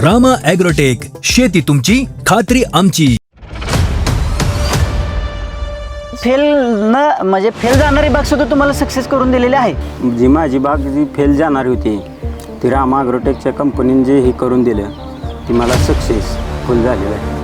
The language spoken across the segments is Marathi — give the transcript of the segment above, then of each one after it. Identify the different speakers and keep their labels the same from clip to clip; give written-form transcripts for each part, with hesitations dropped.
Speaker 1: रामा ॲग्रोटेक, शेती तुमची, खात्री आमची.
Speaker 2: फेल न म्हणजे फेल जाणारी बाग सुद्धा तुम्हाला सक्सेस करून दिलेली आहे.
Speaker 3: जी माझी बाग जी फेल जाणार होती ती रामा ॲग्रोटेकच्या कंपनीने जे हे करून दिलं ती मला सक्सेसफुल झालेलं आहे.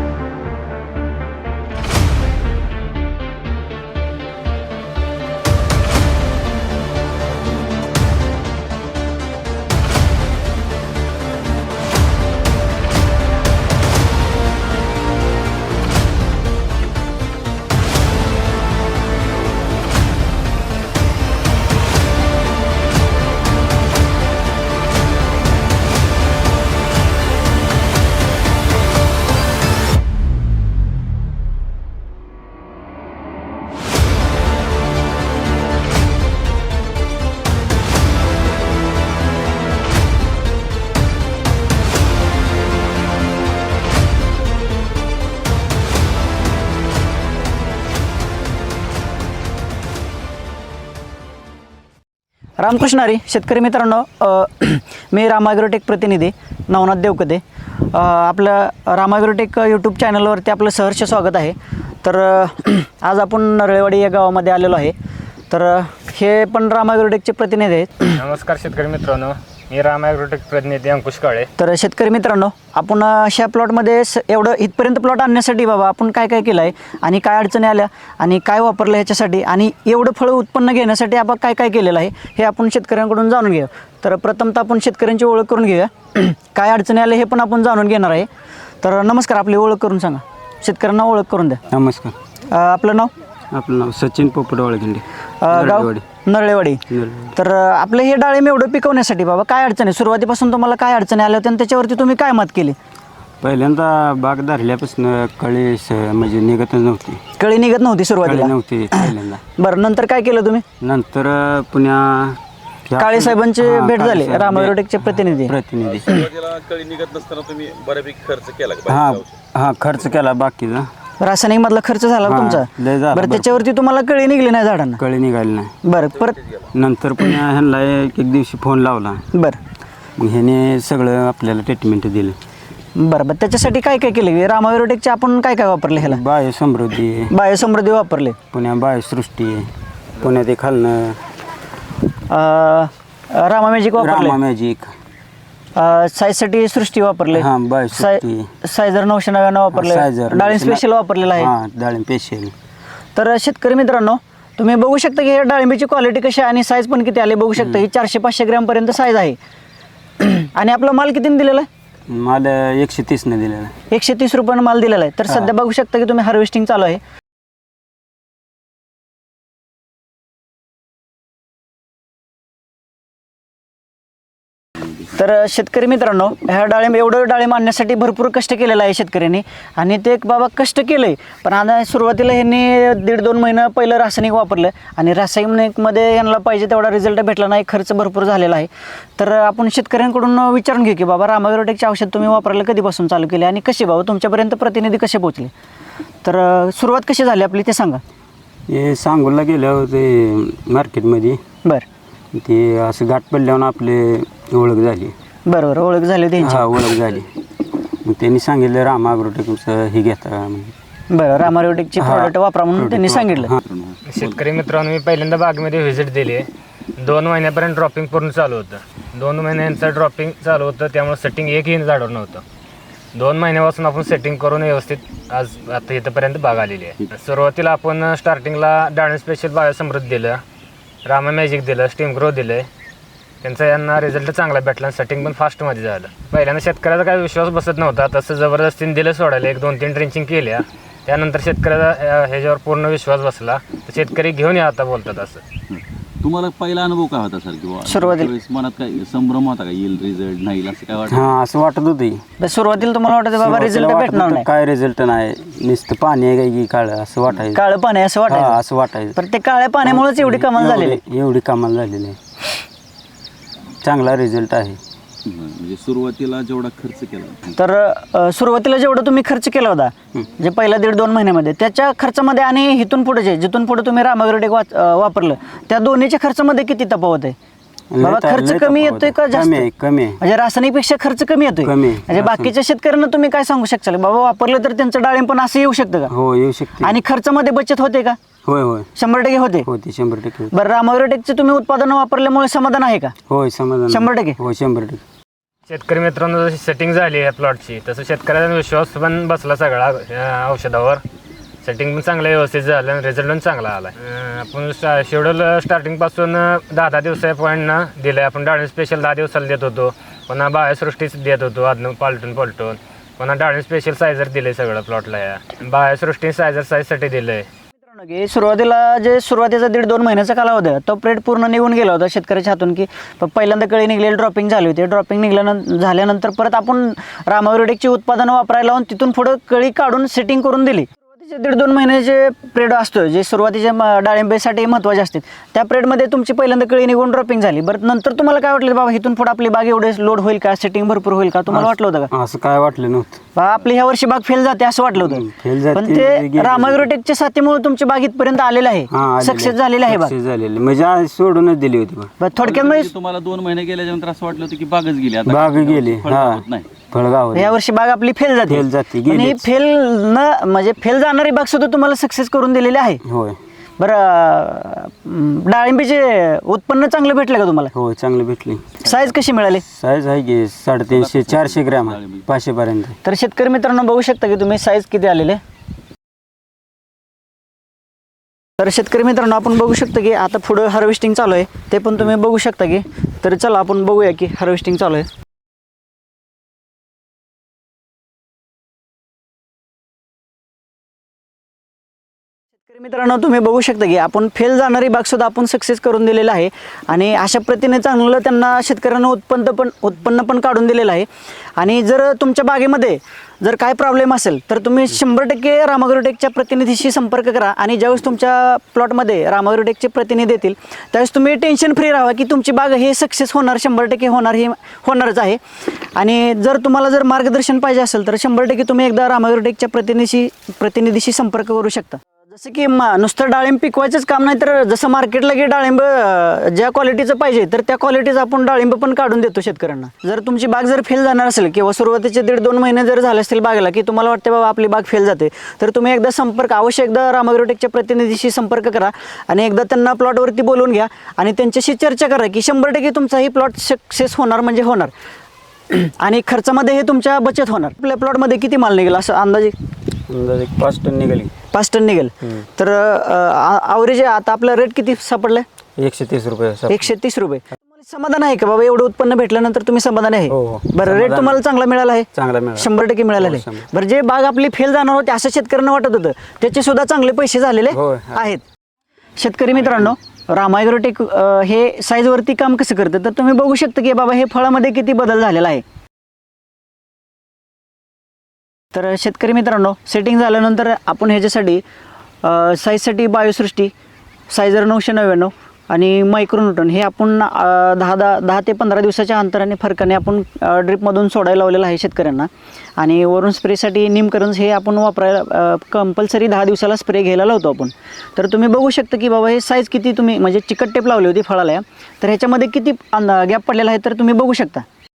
Speaker 2: रामकृष्ण हरी शेतकरी मित्रांनो, मी रामा ॲग्रोटेक प्रतिनिधी नवनाथ देवकते. आपलं रामा ॲग्रोटेक यूट्यूब चॅनलवरती आपलं सहर्ष स्वागत आहे. तर आज आपण नरळेवाडी या गावामध्ये आलेलो आहे. तर हे पण रामा ॲग्रोटेकचे प्रतिनिधी आहेत.
Speaker 4: नमस्कार शेतकरी मित्रांनो, मी रामा ॲग्रोटेक प्रतिनिधी अंकुश काळे.
Speaker 2: तर शेतकरी मित्रांनो, आपण अशा प्लॉटमध्ये एवढं इथपर्यंत प्लॉट आणण्यासाठी बाबा आपण काय काय केलं आहे आणि काय अडचणी आल्या आणि काय वापरलं ह्याच्यासाठी आणि एवढं फळं उत्पन्न घेण्यासाठी आपण काय काय केलेलं आहे हे आपण शेतकऱ्यांकडून जाणून घेऊ. तर प्रथमतः आपण शेतकऱ्यांची ओळख करून घेऊया. काय अडचणी आल्या हे पण आपण जाणून घेणार आहे. तर नमस्कार, आपली ओळख करून सांगा, शेतकऱ्यांना ओळख करून द्या.
Speaker 3: नमस्कार.
Speaker 2: आपलं नाव?
Speaker 3: आपलं नाव सचिन पोपट वाळगिंडे,
Speaker 2: गाव नरळेवाडी. तर आपलं हे डाळिंब एवढं पिकवण्यासाठी बाबा काय अडचण आहे? सुरुवातीपासून तुम्हाला काय अडचणी आल्या होत्या आणि त्याच्यावरती तुम्ही काय मत केली?
Speaker 3: पहिल्यांदा बाग धरल्यापासून कळी म्हणजे निघतच नव्हती.
Speaker 2: कळी निघत नव्हती सुरुवातीला?
Speaker 3: नव्हती पहिल्यांदा.
Speaker 2: बरं, नंतर काय केलं तुम्ही?
Speaker 3: नंतर पुण्या
Speaker 2: काळे साहेबांची भेट झाली, रामा ॲग्रोटेकचे प्रतिनिधी.
Speaker 5: कळी निघत नसताना तुम्ही बऱ्यापैकी खर्च केला का?
Speaker 3: हा खर्च केला बाकीचा.
Speaker 2: रासायनिक मधला खर्च झाला तुमचा?
Speaker 3: लय झाला.
Speaker 2: बरं, त्याच्यावरती तुम्हाला कळी निघली नाही झाडांना?
Speaker 3: कळी निघाली नाही.
Speaker 2: बरं, परत
Speaker 3: नंतर पुन्हा ह्यांना एक दिवशी फोन लावला.
Speaker 2: बरं
Speaker 3: मग ह्याने सगळं आपल्याला ट्रीटमेंट दिलं.
Speaker 2: बरं बरं, त्याच्यासाठी काय काय केलं? रामा ॲग्रोटेकचे आपण काय काय वापरले ह्याला?
Speaker 3: बायोसमृद्धी,
Speaker 2: बायोसमृद्धी वापरले,
Speaker 3: पुण्या बायोसृष्टी, पुण्या ते खालनं
Speaker 2: रामा मॅजिक वापरले,
Speaker 3: रामा मॅजिक,
Speaker 2: साईजसाठी सृष्टी वापरले,
Speaker 3: हां बायोसृष्टी,
Speaker 2: सायझर 999 वापरले,
Speaker 3: सायझर
Speaker 2: डाळिंब स्पेशल वापरलेला आहे.
Speaker 3: हां डाळिंब स्पेशल.
Speaker 2: तर शेतकरी मित्रांनो, तुम्ही बघू शकता की हे डाळिंबीची क्वालिटी कशी आहे आणि साईज पण किती आली बघू शकता. ही 400-500 ग्रॅमपर्यंत साईज आहे. आणि आपला माल कितीने दिलेला आहे?
Speaker 3: माल 130ने दिलेला आहे.
Speaker 2: 130 रुपयानं माल दिलेला आहे. तर सध्या बघू शकता की तुम्ही हार्वेस्टिंग चालू आहे. तर शेतकरी मित्रांनो, ह्या एवढं डाळिंब आणण्यासाठी भरपूर कष्ट केलेलं आहे शेतकऱ्यांनी. आणि ते एक बाबा कष्ट केलं आहे, पण आता सुरुवातीला ह्यांनी 1.5-2 महिने पहिलं रासायनिक वापरलं आणि रासायनिकमध्ये यांना पाहिजे तेवढा रिझल्ट भेटला नाही, खर्च भरपूर झालेला आहे. तर आपण शेतकऱ्यांकडून विचारून घेऊ की बाबा रामा ॲग्रोटेकचे औषध तुम्ही वापरायला कधीपासून चालू केले आणि कसे बाबा तुमच्यापर्यंत प्रतिनिधी कसे पोहोचले? तर सुरुवात कशी झाली आपली ते सांगा.
Speaker 3: हे सांगोला गेल्यावर ते मार्केटमध्ये
Speaker 2: बरं
Speaker 3: ते असं गाठ पडल्यावर आपले ओळख झाली.
Speaker 2: बरोबर, ओळख झाली त्यांची.
Speaker 3: हा ओळख झाली. मग त्यांनी सांगितलं रामा ॲग्रोटेकचं हे घेता.
Speaker 2: बरं, रामा ॲग्रोटेकचे प्रोडक्ट वापरा म्हणून त्यांनी सांगितलं.
Speaker 4: शेतकरी मित्रांनो, मी पहिल्यांदा बागेमध्ये व्हिजिट दिली आहे. 2 महिन्यापर्यंत ड्रॉपिंग पूर्ण चालू होतं. 2 महिन्यांचं ड्रॉपिंग चालू होतं, त्यामुळे सेटिंग एकही झाडावर नव्हतं. 2 महिन्यापासून आपण सेटिंग करून व्यवस्थित आज आता इथंपर्यंत बाग आलेली आहे. सुरुवातीला आपण स्टार्टिंगला डाळिंब स्पेशल बायोसमृद्धी दिलं, रामा मॅजिक दिलं, स्टीम ग्रो दिलं. त्यांचा यांना रिझल्ट चांगला भेटला आणि सेटिंग पण फास्टमध्ये झालं. पहिल्यांदा शेतकऱ्याचा काही विश्वास बसत नव्हता, तसं जबरदस्तीने दिलं सोडायला. 1-2-3 ड्रिंचिंग केल्या, त्यानंतर शेतकऱ्याचा ह्याच्यावर पूर्ण विश्वास बसला. तर शेतकरी घेऊन या आता बोलतात. असं
Speaker 5: तुम्हाला पहिला अनुभव काय होता सर? किंवा
Speaker 2: सुरुवातीला
Speaker 5: मनात काय संभ्रम होता का, येईल रिझल्ट नाही असं काय वाटतं?
Speaker 3: हां असं वाटत होतं.
Speaker 2: सुरुवातीला तुम्हाला वाटतं बाबा रिझल्ट भेटणार नाही,
Speaker 3: काय रिझल्ट नाही, नुसतं पाणी आहे की काळं असं वाटायचं.
Speaker 2: काळं पाणी असं वाटायचं.
Speaker 3: असं वाटायचं.
Speaker 2: पण ते काळ्या पाण्यामुळेच एवढी कमाल झालेली.
Speaker 3: एवढी कमाल झालेली आहे. चांगला रिझल्ट आहे.
Speaker 5: म्हणजे सुरुवातीला जेवढा खर्च केला,
Speaker 2: तर सुरुवातीला जेवढं तुम्ही खर्च केला होता जे पहिल्या 1.5-2 महिन्यामध्ये, त्याच्या खर्चामध्ये आणि इथून पुढे जिथून पुढे तुम्ही रामा ॲग्रोटेक वापरलं त्या दोन्हीच्या खर्चामध्ये किती तफावत आहे? बाबा खर्च कमी येतोय का जास्त?
Speaker 3: कमी आहे, कमी आहे.
Speaker 2: म्हणजे रासायनिकपेक्षा खर्च कमी येतोय.
Speaker 3: कमी आहे.
Speaker 2: म्हणजे बाकीच्या शेतकऱ्यांना तुम्ही काय सांगू शकता बाबा वापरलं तर त्यांचं डाळिंब पण असं येऊ शकतं का?
Speaker 3: हो येऊ शकते.
Speaker 2: आणि खर्चामध्ये बचत होते का?
Speaker 3: होय होय
Speaker 2: 100% होते.
Speaker 3: होते 100% होते.
Speaker 2: बरं रामायग्रोटेकचे तुम्ही उत्पादन वापरल्यामुळे समाधान आहे का?
Speaker 3: होय समाधान
Speaker 2: 100%?
Speaker 3: हो 100%.
Speaker 4: शेतकरी मित्रांनो जशी सेटिंग झाली आहे प्लॉटची तसं शेतकऱ्याचा विश्वास पण बसला सगळा औषधावर. सेटिंग पण चांगलं व्यवस्थित झालं आणि रिझल्ट पण चांगला आला. आपण शेड्यूल स्टार्टिंगपासून 10 दिवसा पॉईंटनं दिलं आहे. आपण डाळिंब स्पेशल 10 दिवसाला देत होतो, पुन्हा बायोसृष्टीच देत होतो आदनं पालटून पुन्हा डाळिंब स्पेशल सायझर दिलं आहे सगळं प्लॉटला. या बायोसृष्टी सायझर साईजसाठी दिलं आहे.
Speaker 2: की सुरुवातीला जे सुरुवातीचा 1.5-2 महिन्याचा कालावधी होता तो पिरियड पूर्ण निघून गेला होता शेतकऱ्याच्या हातून, की पहिल्यांदा कळी निघलेली ड्रॉपिंग झाली होती. ड्रॉपिंग झाल्यानंतर परत आपण रामायग्रोटेकची उत्पादनं वापरायला लावून तिथून पुढं कळी काढून सेटिंग करून दिली. सुरुवातीचे 1.5-2 महिन्याचे पिरियड असतो जे सुरुवातीच्या डाळिंबेसाठी महत्त्वाचे असते. त्या पिरियडमध्ये तुमची पहिल्यांदा कळी निघून ड्रॉपिंग झाली. बरं नंतर तुम्हाला काय वाटलं बाबा इथून पुढे आपली बाग एवढे लोड होईल का, सेटिंग भरपूर होईल का, तुम्हाला वाटलं होतं का?
Speaker 3: असं काय वाटलं नव्हतं.
Speaker 2: बा आपली ह्या वर्षी बाग फेल जाते असं वाटलं होतं.
Speaker 3: फेल जाते,
Speaker 2: पण ते
Speaker 3: गेली.
Speaker 2: रामायग्रोटेकच्या साथीमुळे तुमची बाग इथपर्यंत आलेलं आहे, सक्सेस झालेलं आहे बाग.
Speaker 3: सक्सेस झालेली म्हणजे आज सोडूनच दिली होती बाग.
Speaker 2: बरं, थोडक्यात म्हणजे
Speaker 5: तुम्हाला 2 महिने गेल्यानंतर असं वाटलं होतं की बागच गेली आता
Speaker 3: बाग गेली.
Speaker 5: फळ
Speaker 3: हा
Speaker 5: होत नाही.
Speaker 3: फळगाव
Speaker 2: या वर्षी बाग आपली फेल जाते.
Speaker 3: फेल जाते,
Speaker 2: पण ही
Speaker 3: गेलीच.
Speaker 2: फेल न म्हणजे फेल जाणारी बाग सुद्धा तुम्हाला सक्सेस करून दिलेली आहे.
Speaker 3: होय
Speaker 2: बरं डाळिंबीचे उत्पन्न चांगलं भेटलं का तुम्हाला?
Speaker 3: होय चांगली भेटली.
Speaker 2: साईज कशी मिळाली?
Speaker 3: साईज आहे की 350-400 ग्रॅम 500 पर्यंत.
Speaker 2: तर शेतकरी मित्रांनो बघू शकता की तुम्ही साईज किती आलेले. तर शेतकरी मित्रांनो आपण बघू शकता की आता पुढं हार्वेस्टिंग चालू आहे, ते पण तुम्ही बघू शकता की. तर चला आपण बघूया की हार्वेस्टिंग चालू आहे. शेतकरी मित्रांनो तुम्ही बघू शकता की आपण फेल जाणारी बाग सुद्धा आपण सक्सेस करून दिलेला आहे आणि अशा प्रतीने चांगलं त्यांना शेतकऱ्यांना उत्पन्न पण काढून दिलेलं आहे. आणि जर तुमच्या बागेमध्ये जर काय प्रॉब्लेम असेल तर तुम्ही 100% रामायग्रोटेकच्या प्रतिनिधीशी संपर्क करा. आणि ज्यावेळेस तुमच्या प्लॉटमध्ये रामायग्रोटेकचे प्रतिनिधी येतील त्यावेळेस तुम्ही टेन्शन फ्री राहा की तुमची बाग हे सक्सेस होणार, 100% होणार, हे होणारच आहे. आणि जर तुम्हाला जर मार्गदर्शन पाहिजे असेल तर 100% तुम्ही एकदा रामायग्रोटेकच्या प्रतिनिधीशी संपर्क करू शकता. जसं की नुसतं डाळिंब पिकवायचंच काम नाही, तर जसं मार्केटला की डाळिंब ज्या क्वालिटीचं पाहिजे तर त्या क्वालिटीचं आपण डाळिंब पण काढून देतो शेतकऱ्यांना. जर तुमची बाग जर फेल जाणार असेल किंवा सुरुवातीचे 1.5-2 महिने जर झाले असतील बागेला की तुम्हाला वाटते बाबा आपली बाग फेल जाते, तर तुम्ही अवश्य एकदा रामायग्रोटेकच्या प्रतिनिधीशी संपर्क करा आणि एकदा त्यांना प्लॉटवरती बोलवून घ्या आणि त्यांच्याशी चर्चा करा की 100% तुमचा ही प्लॉट सक्सेस होणार म्हणजे होणार. आणि खर्चामध्ये हे तुमच्या बचत होणार. आपल्या प्लॉटमध्ये किती माल निघेल असं अंदाजे?
Speaker 3: 5 टन निघाली.
Speaker 2: 5 टन निघेल. तर ॲव्हरेज आता आपला रेट किती सापडलाय?
Speaker 3: 130 रुपये.
Speaker 2: 130 रुपये. तुम्हाला समाधान आहे का बाबा एवढं उत्पन्न भेटल्यानंतर तुम्ही समाधान आहे?
Speaker 3: हो.
Speaker 2: बरं रेट तुम्हाला चांगला मिळाला आहे?
Speaker 3: चांगला मिळाला.
Speaker 2: 100% मिळालेला आहे.
Speaker 3: 100%.
Speaker 2: बरं जे बाग आपली फेल जाणार होते असं शेतकऱ्यांना वाटत होतं त्याचे सुद्धा चांगले पैसे झालेले
Speaker 3: होय.
Speaker 2: आहेत. शेतकरी मित्रांनो रामायग्रोटेक हे साईजवरती काम कसं करतं तर तुम्ही बघू शकता की बाबा हे फळामध्ये किती बदल झालेला आहे. तर शेतकरी मित्रांनो सेटिंग झाल्यानंतर आपण ह्याच्यासाठी साईजसाठी बायोसृष्टी सायझर 999 आणि मायक्रोन्यूटन हे आपण 10 ते 15 दिवसाच्या अंतराने फरकाने आपण ड्रिपमधून सोडायला लावलेलं आहे शेतकऱ्यांना. आणि वरून स्प्रेसाठी निमकरंज हे आपण वापरायला कंपल्सरी 10 दिवसाला स्प्रे घ्यायला लावतो आपण. तर तुम्ही बघू शकता की बाबा हे साईज किती तुम्ही म्हणजे चिकट टेप लावली होती फळाला, तर ह्याच्यामध्ये किती गॅप पडलेला आहे तर तुम्ही बघू शकता.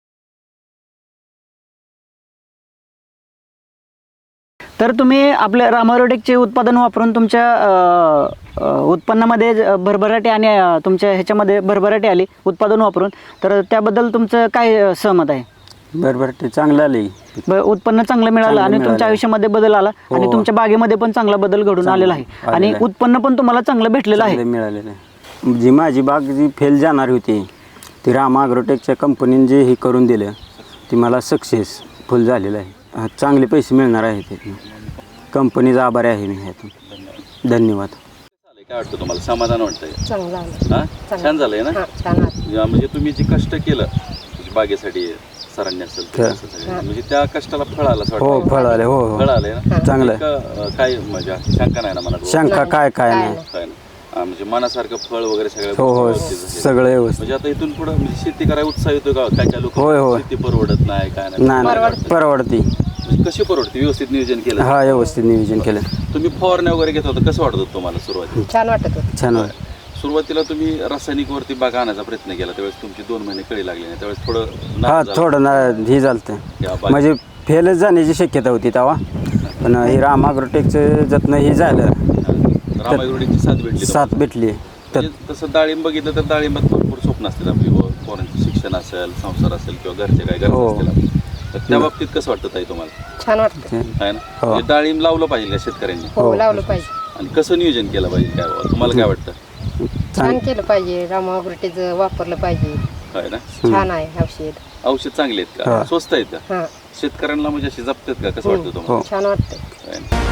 Speaker 2: तर तुम्ही आपल्या रामायग्रोटेकचे उत्पादन वापरून तुमच्या उत्पन्नामध्ये भरभराटी आणि तुमच्या ह्याच्यामध्ये भरभराटी आली उत्पादन वापरून, तर त्याबद्दल तुमचं काय सहमत आहे?
Speaker 3: बरोबर ते चांगलं आले.
Speaker 2: उत्पन्न चांगलं मिळालं आणि तुमच्या आयुष्यामध्ये बदल आला आणि तुमच्या बागेमध्ये पण चांगला बदल घडून आलेला आहे आणि उत्पन्न पण तुम्हाला चांगलं भेटलेलं आहे.
Speaker 3: मिळालेलं आहे. जी माझी बाग जी फेल जाणार होती ती रामायग्रोटेकच्या कंपनीने जे हे करून दिलं ती मला सक्सेसफुल झालेलं आहे. चांगले पैसे मिळणार आहेत त्यातून. कंपनीचा आभारी आहे मी ह्यातून. धन्यवाद.
Speaker 5: काय वाटतं तुम्हाला? समाधान वाटतंय?
Speaker 6: चांगलं आलं.
Speaker 5: हा छान झालंय ना?
Speaker 6: छान आलं.
Speaker 5: म्हणजे तुम्ही जे कष्ट केलं बागेसाठी सरांनी असेल तर असं सगळं, म्हणजे त्या कष्टाला फळ आलं असं
Speaker 3: हो
Speaker 5: वाटतं?
Speaker 3: फळ आले. हो हो
Speaker 5: फळ आलंय ना?
Speaker 3: चांगलं.
Speaker 5: काय म्हणजे शंका नाही ना मनात?
Speaker 3: शंका काय काय नाही.
Speaker 5: काय नाही. म्हणजे मनासारखं फळ वगैरे सगळं
Speaker 3: हो हो
Speaker 5: व्यवस्थित झालंय.
Speaker 3: सगळं व्यवस्थित.
Speaker 5: म्हणजे आता इथून पुढे म्हणजे शेती करायला उत्साह येतो का? काय काय लोक
Speaker 3: होय, होय.
Speaker 5: शेती परवडत नाही काय नाही
Speaker 3: नाही परवडती.
Speaker 5: म्हणजे कशी परवडते? व्यवस्थित नियोजन केलं?
Speaker 3: हा व्यवस्थित नियोजन केलं.
Speaker 5: तुम्ही फवारण्या वगैरे घेत होता, कसं वाटत होतं तुम्हाला सुरुवातीला?
Speaker 6: छान वाटत होतं.
Speaker 3: छान वाटतं.
Speaker 5: सुरुवातीला तुम्ही रासायनिकवरती बाग आणायचा प्रयत्न केला त्यावेळेस तुमची 2 महिने कळी लागली नाही त्यावेळेस थोडं
Speaker 3: हा
Speaker 5: नाराज झाला.
Speaker 3: थोडं हे झालं
Speaker 5: या बाग-
Speaker 3: म्हणजे फेलच जाण्याची शक्यता होती तेव्हा पण हे राम ॲग्रोटेकचं जतन हे झालं
Speaker 5: रामायगुडीची साथ भेटली
Speaker 3: साथ भेटली तर
Speaker 5: म्हणजे तसं डाळिंब बघितलं तर डाळिंबात भरपूर स्वप्न असतील आपली पोरांचं शिक्षण असेल संसार असेल किंवा घरचे काय
Speaker 3: हो.
Speaker 5: गरज असतील आपल्या. तर त्या बाबतीत कसं वाटतं ताई तुम्हाला
Speaker 6: छान वाटतं.
Speaker 5: आहे ना
Speaker 3: हो.
Speaker 5: म्हणजे डाळिंब लावलं पाहिजे का शेतकऱ्यांनी
Speaker 6: हो लावलं पाहिजे.
Speaker 5: आणि कसं नियोजन केलं पाहिजे काय बाबा? तुम्हाला काय वाटतं
Speaker 6: छान केलं पाहिजे. रामागुरटीचं वापरलं पाहिजे.
Speaker 5: आहे ना
Speaker 6: छान आहे औषध.
Speaker 5: औषध चांगले आहेत का
Speaker 3: हा.
Speaker 5: स्वस्त आहेत का
Speaker 6: हां
Speaker 5: शेतकऱ्यांना म्हणजे अशी जपतात का कसं वाटतं तुम्हाला
Speaker 3: हो
Speaker 6: छान वाटतं.
Speaker 5: आहे ना?